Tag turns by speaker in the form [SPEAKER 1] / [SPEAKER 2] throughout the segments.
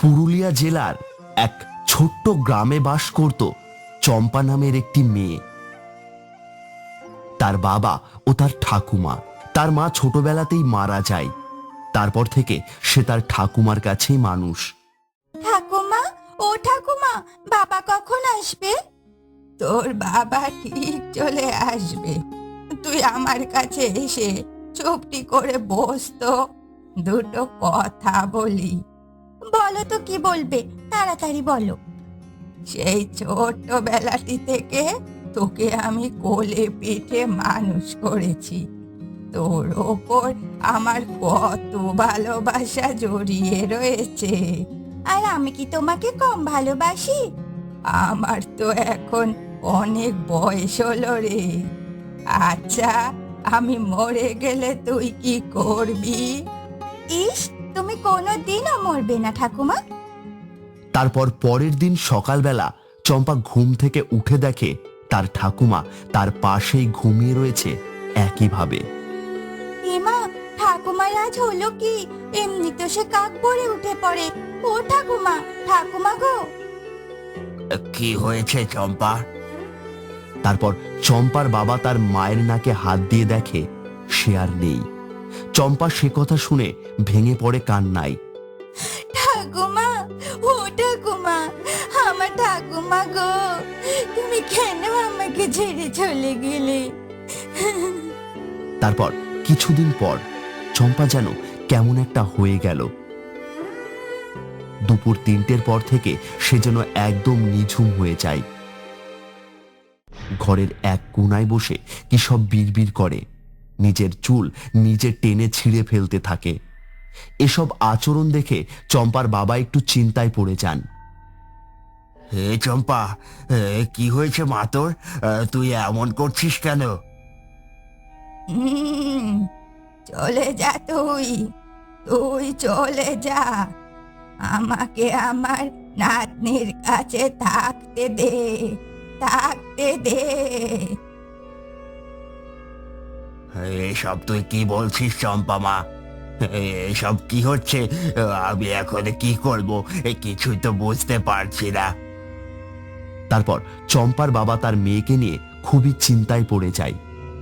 [SPEAKER 1] পুরুলিয়া জেলার এক ছোট্ট গ্রামে বাস করত চম্পা নামের একটি মেয়ে। তার বাবা ও তার ঠাকুমা, তার মা ছোটবেলাতেই মারা যায়। তারপর থেকে সে তার ঠাকুমার কাছেই মানুষ।
[SPEAKER 2] ঠাকুমা, ও ঠাকুমা, বাবা কখন আসবে? তোর বাবা ঠিক চলে আসবে। তুই আমার কাছে এসে চুপটি করে বস তো, দুটো কথা বলি। বলো তো, কি বলবে, তাড়াতাড়ি বলো। সেই ছোট্টবেলাটি থেকে তোকে আমি কোলে পিঠে মানুষ করেছি। তোর ওপর আমার কত ভালোবাসা জড়িয়ে রয়েছে। আর আমি কি তোমাকে কম ভালোবাসি? আমার তো এখন অনেক বয়স হলো রে। আচ্ছা, আমি মরে গেলে তুই কি করবি? ইস, তুমি কোনোদিনও মরবে না ঠাকুমা।
[SPEAKER 1] তারপর পরের দিন সকালবেলা চম্পা ঘুম থেকে উঠে দেখে তার ঠাকুমা তার পাশেই ঘুমিয়ে রয়েছে একইভাবে।
[SPEAKER 2] এমা, ঠাকুমার আজ হলো কি? এমনি তো সে কাক পড়ে উঠে পড়ে। ও ঠাকুমা, ঠাকুমা গো।
[SPEAKER 1] কি হয়েছে চম্পা? তারপর চম্পার বাবা তার মায়ের নাকে হাত দিয়ে দেখে সে আর নেই। চম্পা সে কথা শুনে ভেঙে পড়ে কান্নায়।
[SPEAKER 2] ঠাকুমা, ও ঠাকুমা, আমার ঠাকুমা গো, তুমি কেন আমাকে ছেড়ে চলে গেলে?
[SPEAKER 1] তারপর কিছুদিন পর চম্পা যেন কেমন একটা হয়ে গেল। দুপুর 3টের পর থেকে সে যেন একদম নিঝুম হয়ে যায়। ঘরের এক কোনায় বসে কি সব বিড়বিড় করে, নিজের চুল নিজে টেনে ছিঁড়ে ফেলতে থাকে। এসব আচরণ দেখে চম্পার বাবা একটু চিন্তায় পড়ে যান। হে চম্পা, কি হয়েছে মা তোর? তুই এমন করছিস কেন?
[SPEAKER 2] হুম, চলে যা তুই, তুই চলে যা। আমাকে আমার নাতনির কাছে থাকতে দে, থাকতে দে।
[SPEAKER 1] এসব তুই কি বলছিস চম্পা মা? এসব কি হচ্ছে? আমি এখন কি করব কিছুই তো বুঝতে পারছি না। তারপর চম্পার বাবা তার মেয়েকে নিয়ে খুবই চিন্তায় পড়ে যায়।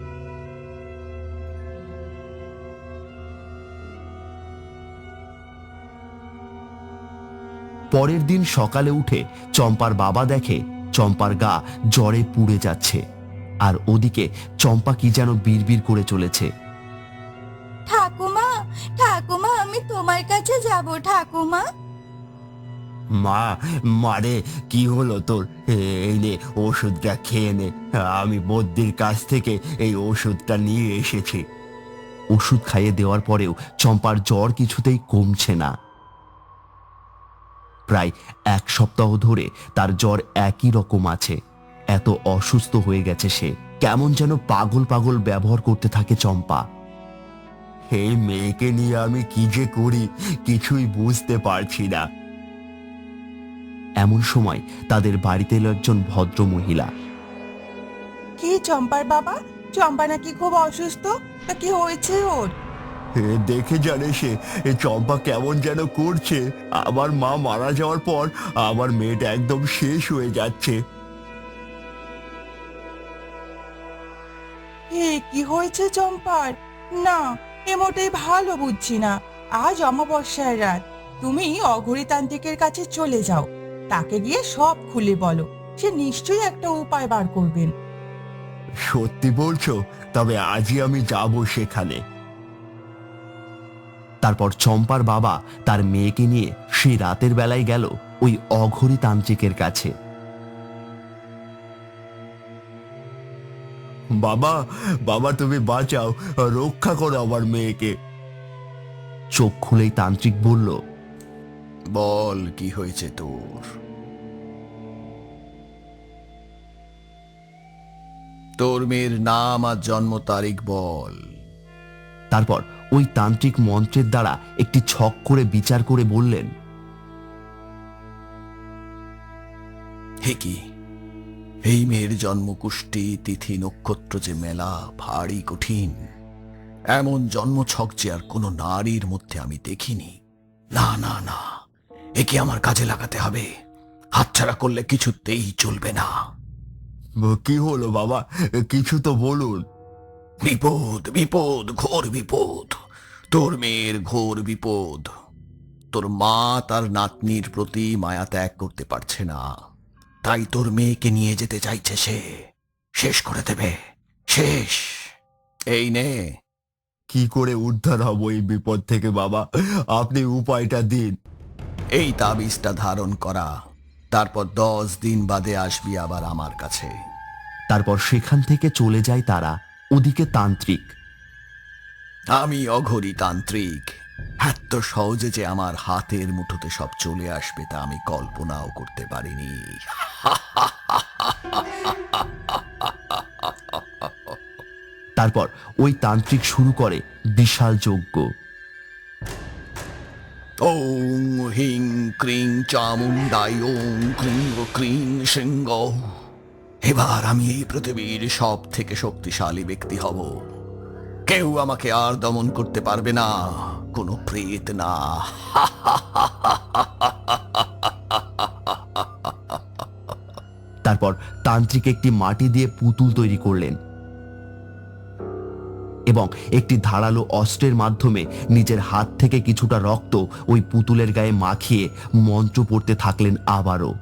[SPEAKER 1] পরের দিন সকালে উঠে চম্পার বাবা দেখে চম্পার গা জ্বরে পুড়ে যাচ্ছে, আর ওদিকে চম্পা কি যেন বিড়বিড় করে চলেছে।
[SPEAKER 2] ঠাকুমা, ঠাকুমা, আমি তোমার কাছে যাব ঠাকুমা।
[SPEAKER 1] মা, মারে, কি হলো তোর? এই নে ওষুধটা খেয়ে নে। আমি বদ্যির কাছ থেকে এই ওষুধটা নিয়ে এসেছি। ওষুধ খাইয়ে দেওয়ার পরেও চম্পার জ্বর কিছুতেই কমছে না। প্রায় 1 সপ্তাহ ধরে তার জ্বর একই রকম আছে। এত অসুস্থ হয়ে গেছে সে, কেমন যেন পাগল পাগল ব্যবহার করতে থাকে চম্পা। এই মেয়েকে নিয়ে আমি কি যে করি কিছুই বুঝতে পারছি না। এমন সময় তাদের বাড়িতে এলো একজন ভদ্র মহিলা।
[SPEAKER 3] কি চম্পার বাবা? চম্পা নাকি খুব অসুস্থ? তা কি হয়েছে ওর?
[SPEAKER 1] দেখে জানে সে চম্পা কেমন যেন করছে। আমার মা মারা যাওয়ার পর আমার মেয়েটা একদম শেষ হয়ে যাচ্ছে।
[SPEAKER 3] কি হয়েছে চম্পার? না, এ মোটেই ভালো বুঝছি না। আজ অমাবস্যার রাত, তুমি অঘরীতান্ত্রিকের কাছে চলে যাও। তাকে গিয়ে সব খুলে বলো, সে নিশ্চয়ই একটা উপায় বার করবেন।
[SPEAKER 1] সত্যি বলছো? তবে আজই আমি যাব সেখানে। তারপর চম্পার বাবা তার মেয়েকে নিয়ে সেই রাতের বেলায় গেল ওই অঘরী তান্ত্রিকের কাছে। বাবা, বাবা, তুমি বাঁচাও, রক্ষা করো আমার মেয়েকে। চোখ খুলেই তান্ত্রিক বলল,
[SPEAKER 4] বল, কি হয়েছে তোর? তোর মেয়ের নাম আর জন্ম তারিখ বল।
[SPEAKER 1] তারপর ওই তান্ত্রিক মন্ত্রের দ্বারা একটি ছক করে বিচার করে বললেন,
[SPEAKER 4] হে কি, এই মেয়ের জন্মকুষ্টি তিথি নক্ষত্র যে মেলা ভারী কঠিন। এমন জন্মছক যে আর কোনো নারীর মধ্যে আমি দেখিনি। না না না, একে আমার কাজে লাগাতে হবে, হাতছাড়া করলে কিছুতেই চলবে না।
[SPEAKER 1] কি হলো বাবা, কিছু তো বলুন।
[SPEAKER 4] বিপদ, বিপদ, ঘোর বিপদ। তোর মেয়ের ঘোর বিপদ। তোর মা তার নাতনির প্রতি মায়া ত্যাগ করতে পারছে না, তাই তোর মেয়েকে নিয়ে যেতে চাইছে সে। শেষ করে দেবে, শেষ। এই নে।
[SPEAKER 1] কি করে উদ্ধার হব এই বিপদ থেকে বাবা, আপনি উপায়টা দিন।
[SPEAKER 4] এই তাবিজটা ধারণ করা, তারপর 10 দিন বাদে আসবি আবার আমার কাছে।
[SPEAKER 1] তারপর সেখান থেকে চলে যায় তারা। ওদিকে তান্ত্রিক।
[SPEAKER 4] আমি অঘরী তান্ত্রিক, এত সহজে যে আমার হাতের মুঠোতে সব চলে আসবে তা আমি কল্পনাও করতে পারিনি।
[SPEAKER 1] তারপর ওই তান্ত্রিক শুরু করে বিশাল যজ্ঞ।
[SPEAKER 4] ওং হিং ক্রিং চামুন্ডাই ওং ক্রিং ক্রিং সিংহ। এবার আমি এই পৃথিবীর সব থেকে শক্তিশালী ব্যক্তি হব। কেউ আমাকে আর দমন করতে পারবে না, কোনো প্রেত না।
[SPEAKER 1] তারপর তান্ত্রিক একটি মাটি দিয়ে পুতুল তৈরি করলেন এবং একটি ধারালো অস্ত্রের মাধ্যমে নিজের হাত থেকে কিছুটা রক্ত ওই পুতুলের গায়ে মাখিয়ে মন্ত্র পড়তে থাকলেন আবারও।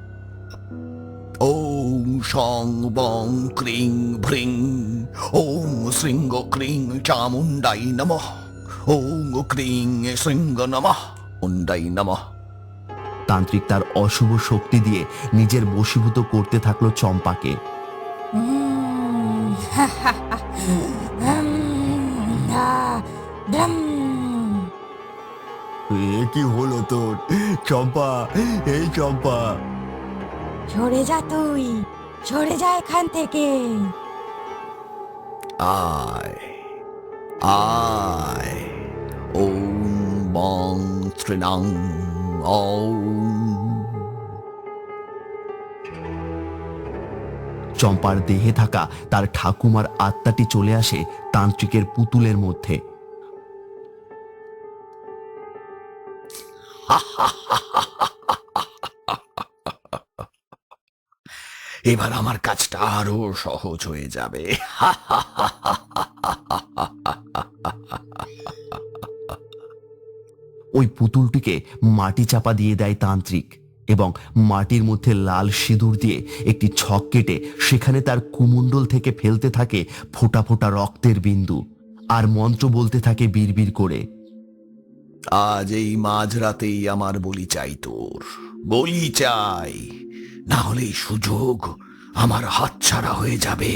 [SPEAKER 4] ওং সং বং ক্রিং ভ্রিং ওং শৃঙ্গ ক্রিং চামুন্ডাই নমঃ। ওং ক্রিং শৃঙ্গ নমঃ মুন্ডাই নমঃ।
[SPEAKER 1] তান্ত্রিক তার অশুভ শক্তি দিয়ে নিজের বশীভূত করতে থাকলো চম্পাকে। এ কি হলো তোর চম্পা, এই চম্পা।
[SPEAKER 2] সরে যা তুই, সরে যা এখান থেকে।
[SPEAKER 4] আয় আয়। ওং বং ত্রিনাং ওং।
[SPEAKER 1] চম্পার দেহে থাকা তার ঠাকুমার আত্মাটি চলে আসে তান্ত্রিকের পুতুলের মধ্যে।
[SPEAKER 4] এবার আমার কাজটা আরো সহজ হয়ে যাবে।
[SPEAKER 1] ওই পুতুলটিকে মাটি চাপা দিয়ে দেয় তান্ত্রিক এবং মাটির মধ্যে লাল সিঁদুর দিয়ে একটি ছক কেটে সেখানে তার কুমণ্ডল থেকে ফেলতে থাকে ফোঁটা ফোঁটা রক্তের বিন্দু আর মন্ত্র বলতে থাকে বিড়বিড় করে।
[SPEAKER 4] আজ এই মাঝরাতেই আমার বলি চাই, তোর বলি চাই, না হলে এই সুযোগ আমার হাতছাড়া হয়ে যাবে।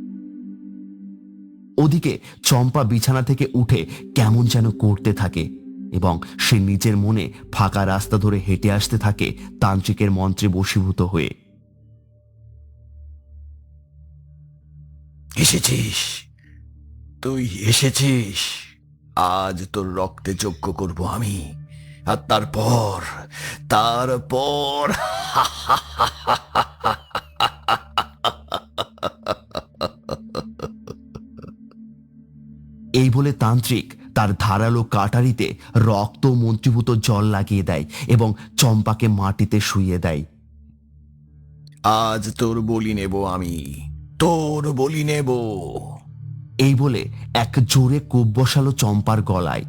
[SPEAKER 1] ওদিকে চম্পা বিছানা থেকে উঠে কেমন যেন করতে থাকে এবং সে নিজের মনে ফাঁকা রাস্তা ধরে হেঁটে আসতে থাকে তান্ত্রিকের মন্ত্রে বশীভূত হয়ে।
[SPEAKER 4] এসেছিস, তুই এসেছিস। আজ তোর রক্তে যজ্ঞ করব আমি, আর তারপর তারপর
[SPEAKER 1] এই বলে তান্ত্রিক তার ধারালো কাটারিতে রক্ত মন্ত্রীভূত জল লাগিয়ে দেয় এবং চম্পাকে মাটিতে শুইয়ে দেয়।
[SPEAKER 4] আজ তোর বলি নেব আমি, তোর বলি নেব।
[SPEAKER 1] এই বলে এক জোরে কোপ বসালো চম্পার গলায়।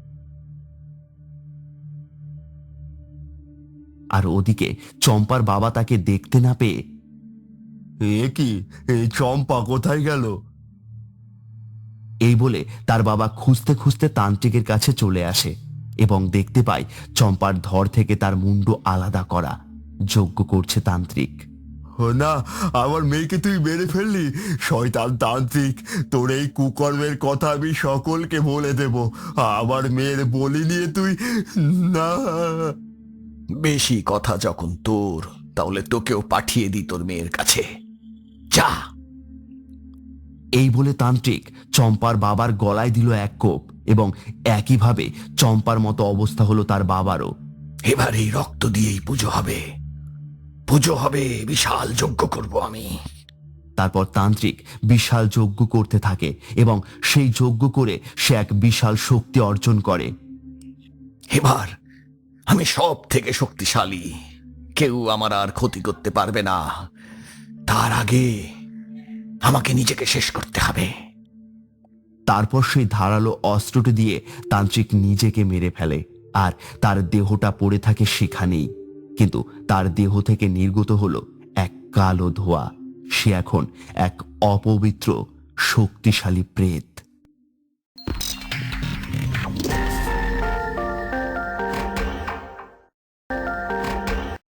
[SPEAKER 1] আর ওদিকে চম্পার বাবা তাকে দেখতে না পেয়ে, এ কি, এই চম্পা কোথায় গেল? এই বলে তার বাবা খুঁজতে খুঁজতে তান্ত্রিকের কাছে চলে আসে এবং দেখতে পায় চম্পার ধর থেকে তার মুন্ড আলাদা করা। যজ্ঞ করছে তান্ত্রিক। না, আমার মেয়েকে তুই মেরে ফেললি শয়তান তান্ত্রিক, তোর এই কুকর্মের কথা আমি সকলকে বলে দেব। আমার মেয়ের বলি নিয়ে তুই না।
[SPEAKER 4] বেশি কথা যখন তোর, তাহলে তোকেও পাঠিয়ে দি তোর মেয়ের কাছে, যা।
[SPEAKER 1] এই বলে তান্ত্রিক চম্পার বাবার গলায় দিল এক কোপ এবং একইভাবে চম্পার মতো অবস্থা হলো তার বাবারও।
[SPEAKER 4] এবার এই রক্ত দিয়েই পুজো হবে, পুজো হবে, বিশাল যজ্ঞ করব আমি।
[SPEAKER 1] তারপর তান্ত্রিক বিশাল যজ্ঞ করতে থাকে এবং সেই যজ্ঞ করে সে এক বিশাল শক্তি অর্জন করে।
[SPEAKER 4] এবার আমি সব থেকে শক্তিশালী, কেউ আমার আর ক্ষতি করতে পারবে না। তার আগে আমাকে নিজেকে শেষ করতে হবে।
[SPEAKER 1] তারপর সেই ধারালো অস্ত্রটি দিয়ে তান্ত্রিক নিজেকে মেরে ফেলে, আর তার দেহটা পড়ে থাকে সেখানেই। কিন্তু তার দেহ থেকে নির্গত হলো এক কালো ধোঁয়া। সে এখন এক অপবিত্র শক্তিশালী প্রেত।